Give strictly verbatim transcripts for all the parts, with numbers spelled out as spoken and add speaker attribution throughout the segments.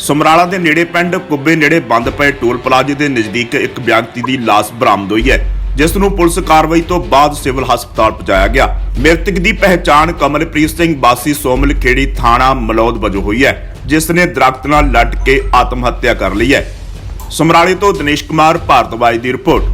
Speaker 1: ਸਮਰਾਲਾ ਦੇ ਨੇੜੇ ਪਿੰਡ ਕੁੱਬੇ ਨੇੜੇ ਬੰਦ ਪਏ ਟੋਲ ਪਲਾਜ਼ੇ ਦੇ ਨਜ਼ਦੀਕ ਇੱਕ ਵਿਅਕਤੀ ਦੀ ਲਾਸ਼ ਬਰਾਮਦ ਹੋਈ ਹੈ, ਜਿਸ ਨੂੰ ਪੁਲਿਸ ਕਾਰਵਾਈ ਤੋਂ ਬਾਅਦ ਸਿਵਲ ਹਸਪਤਾਲ ਪਹੁੰਚਾਇਆ ਗਿਆ। ਮ੍ਰਿਤਕ ਦੀ ਪਹਿਚਾਣ ਕਮਲਪ੍ਰੀਤ ਸਿੰਘ ਵਾਸੀ ਸੋਮਲ ਖੇੜੀ ਥਾਣਾ ਮਲੌਦ ਵਜੋਂ ਹੋਈ ਹੈ, ਜਿਸ ਨੇ ਦਰਖਤ ਨਾਲ ਲੱਟ ਕੇ ਆਤਮ ਹੱਤਿਆ ਕਰ ਲਈ ਹੈ। ਸਮਰਾਲੇ ਤੋਂ ਦਿਨੇਸ਼ ਕੁਮਾਰ ਭਾਰਤਵਾਜ ਦੀ ਰਿਪੋਰਟ।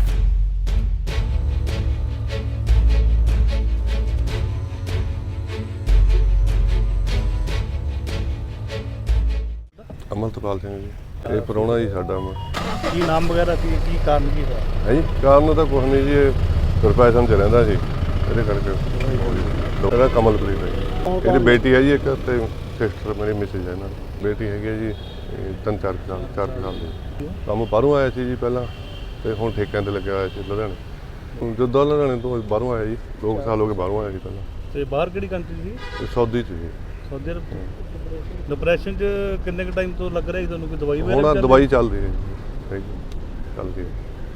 Speaker 2: ਅਮਰਤਪਾਲ ਸਿੰਘ ਜੀ, ਇਹ ਪ੍ਰਾਹੁਣਾ ਜੀ ਸਾਡਾ। ਮੈਂ
Speaker 3: ਕੀ ਨਾਮ ਵਗੈਰਾ ਸੀ, ਕੀ ਕਾਰਨ ਕੀ ਦਾ
Speaker 2: ਹੈ ਜੀ? ਕਾਰਨ ਤਾਂ ਕੁਛ ਨਹੀਂ ਜੀ, ਇਹ ਗੁਰਪੈਸ਼ਨ 'ਚ ਰਹਿੰਦਾ ਸੀ, ਇਹਦੇ ਕਰਕੇ ਇਹਦਾ ਕਮਲਪ੍ਰੀਤ ਹੈ ਜੀ। ਇਹਦੀ ਬੇਟੀ ਹੈ ਜੀ ਇੱਕ, ਤੇ ਸਿਸਟਰ ਮੇਰੀ ਮਿਸਿਸ ਹੈ ਇਹਨਾਂ ਦੀ। ਬੇਟੀ ਹੈਗੀ ਹੈ ਜੀ ਤਿੰਨ ਚਾਰ ਕੁ ਸਾਲ ਚਾਰ ਕੁ ਸਾਲ ਦੀ। ਕੰਮ ਬਾਹਰੋਂ ਆਇਆ ਸੀ ਜੀ ਪਹਿਲਾਂ, ਤੇ ਹੁਣ ਠੇਕਿਆਂ 'ਤੇ ਲੱਗਿਆ ਹੋਇਆ ਸੀ ਲੁਧਿਆਣੇ। ਜਦੋਂ ਲੁਧਿਆਣੇ ਤੋਂ ਬਾਹਰੋਂ ਆਇਆ ਜੀ, ਦੋ ਸਾਲ ਹੋ ਗਏ ਬਾਹਰੋਂ ਆਇਆ ਸੀ ਪਹਿਲਾਂ।
Speaker 3: ਤੇ ਬਾਹਰ ਕਿਹੜੀ ਕੰਟਰੀ ਸੀ?
Speaker 2: ਇਹ ਸੌਦੀ 'ਚ ਜੀ।
Speaker 3: Saudi Arab. ਡਿਪਰੈਸ਼ਨ 'ਚ ਕਿੰਨੇ ਕੁ ਟਾਈਮ ਤੋਂ ਲੱਗ ਰਿਹਾ ਸੀ ਤੁਹਾਨੂੰ? ਕੋਈ ਦਵਾਈ ਵਗੈਰਾ
Speaker 2: ਹੁਣ ਦਵਾਈ ਚੱਲਦੀ ਹੈ ਜੀ, ਚੱਲ ਰਹੀ ਹੈ।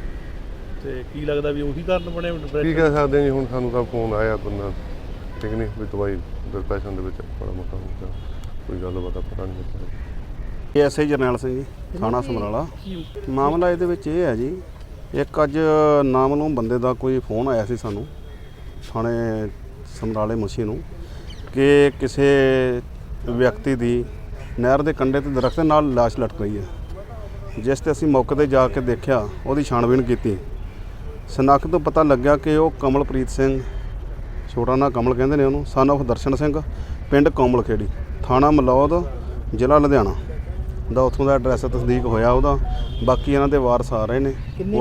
Speaker 3: ਤੇ ਕੀ ਲੱਗਦਾ ਵੀ ਉਹੀ ਕਾਰਨ ਬਣਿਆ ਡਿਪਰੈਸ਼ਨ?
Speaker 2: ਕੀ ਕਹਿ ਸਕਦੇ ਜੀ, ਹੁਣ ਸਾਨੂੰ ਤਾਂ ਫੋਨ ਆਇਆ ਬੰਦਾ, ਠੀਕ ਨਹੀਂ ਵੀ ਦਵਾਈ ਡਿਪਰੈਸ਼ਨ ਦੇ ਵਿੱਚ ਬੜਾ ਮੋਟਾ ਹੁੰਦਾ, ਕੋਈ ਗੱਲਬਾਤ ਪਤਾ ਨਹੀਂ ਲੱਗਦਾ।
Speaker 4: ਐਸ ਆਈ ਜਰਨੈਲ ਸਿੰਘ ਜੀ, ਥਾਣਾ ਸਮਰਾਲਾ। ਮਾਮਲਾ ਇਹਦੇ ਵਿੱਚ ਇਹ ਹੈ ਜੀ, ਇੱਕ ਅੱਜ ਨਾਮਲੂਮ ਬੰਦੇ ਦਾ ਕੋਈ ਫੋਨ ਆਇਆ ਸੀ ਸਾਨੂੰ ਥਾਣੇ ਸਮਰਾਲੇ ਮੁਨਸ਼ੀ ਨੂੰ ਕਿ ਕਿਸੇ ਵਿਅਕਤੀ ਦੀ ਨਹਿਰ ਦੇ ਕੰਢੇ ਤੇ ਦਰਖਤ ਨਾਲ ਲਾਸ਼ ਲਟਕ ਰਹੀ ਹੈ। ਜਿਸ ਤੇ ਅਸੀਂ ਮੌਕੇ 'ਤੇ ਜਾ ਕੇ ਦੇਖਿਆ, ਉਹਦੀ ਛਾਣਬੀਣ ਕੀਤੀ। ਸ਼ਨਾਖਤ ਤੋਂ ਪਤਾ ਲੱਗਿਆ ਕਿ ਉਹ ਕਮਲਪ੍ਰੀਤ ਸਿੰਘ, ਛੋਟਾ ਨਾਂ ਕਮਲ ਕਹਿੰਦੇ ਨੇ ਉਹਨੂੰ, ਸਨ ਆਫ ਦਰਸ਼ਨ ਸਿੰਘ, ਪਿੰਡ ਕੋਮਲ ਖੇੜੀ, ਥਾਣਾ ਮਲੌਦ, ਜ਼ਿਲ੍ਹਾ ਲੁਧਿਆਣਾ ਦਾ ਉੱਥੋਂ ਦਾ ਐਡਰੈਸ ਤਸਦੀਕ ਹੋਇਆ ਉਹਦਾ। ਬਾਕੀ ਇਹਨਾਂ ਦੇ ਵਾਰਸ ਆ ਰਹੇ ਨੇ।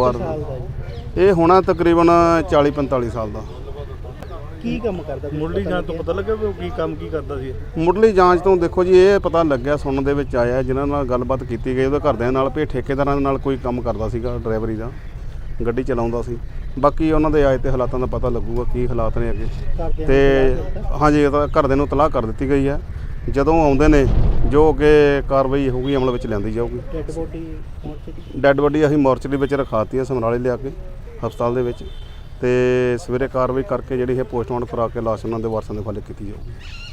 Speaker 4: ਇਹ ਹੋਣਾ ਤਕਰੀਬਨ ਚਾਲੀ ਪੰਤਾਲੀ ਸਾਲ ਦਾ।
Speaker 3: ਕੀ ਕੰਮ ਕਰਦਾ? ਮੁੱਢਲੀ ਜਾਂਚ ਤੋਂ ਪਤਾ ਲੱਗਾ ਵੀ ਉਹ ਕੀ ਕੰਮ ਕੀ ਕਰਦਾ ਸੀ?
Speaker 4: ਮੁੱਢਲੀ ਜਾਂਚ ਤੋਂ ਦੇਖੋ ਜੀ, ਇਹ ਪਤਾ ਲੱਗਿਆ, ਸੁਣਨ ਦੇ ਵਿੱਚ ਆਇਆ, ਜਿਨ੍ਹਾਂ ਨਾਲ ਗੱਲਬਾਤ ਕੀਤੀ ਗਈ ਉਹਦੇ ਘਰਦਿਆਂ ਨਾਲ, ਵੀ ਠੇਕੇਦਾਰਾਂ ਨਾਲ ਕੋਈ ਕੰਮ ਕਰਦਾ ਸੀਗਾ, ਡਰਾਈਵਰੀ ਦਾ, ਗੱਡੀ ਚਲਾਉਂਦਾ ਸੀ। ਬਾਕੀ ਉਹਨਾਂ ਦੇ ਆਏ ਤੇ ਹਾਲਾਤਾਂ ਦਾ ਪਤਾ ਲੱਗੂਗਾ ਕੀ ਹਾਲਾਤ ਨੇ ਅੱਗੇ। ਤੇ ਹਾਂਜੀ, ਇਹ ਤਾਂ ਘਰਦਿਆਂ ਨੂੰ ਤਲਾਹ ਕਰ ਦਿੱਤੀ ਗਈ ਹੈ। ਜਦੋਂ ਆਉਂਦੇ ਨੇ ਜੋ ਅੱਗੇ ਕਾਰਵਾਈ ਹੋਊਗੀ ਅਮਲ ਵਿੱਚ ਲਿਆਂਦੀ ਜਾਊਗੀ।
Speaker 3: ਡੈਡ ਬੋਡੀ
Speaker 4: ਡੈਡ ਬੋਡੀ ਅਸੀਂ ਮੋਰਚਰੀ ਵਿੱਚ ਰਖਾਤੀ ਹੈ ਸਮਰਾਲੇ ਲਿਆ ਕੇ ਹਸਪਤਾਲ ਦੇ ਵਿੱਚ, ਤੇ ਸਵੇਰੇ ਕਾਰਵਾਈ ਕਰਕੇ ਜਿਹੜੀ ਇਹ ਪੋਸਟਮਾਰਟਮ ਕਰਾ ਕੇ ਲਾਸ਼ ਉਹਨਾਂ ਦੇ ਵਾਰਸਾਂ ਦੇ ਹਵਾਲੇ ਕੀਤੀ ਜਾਊਗੀ।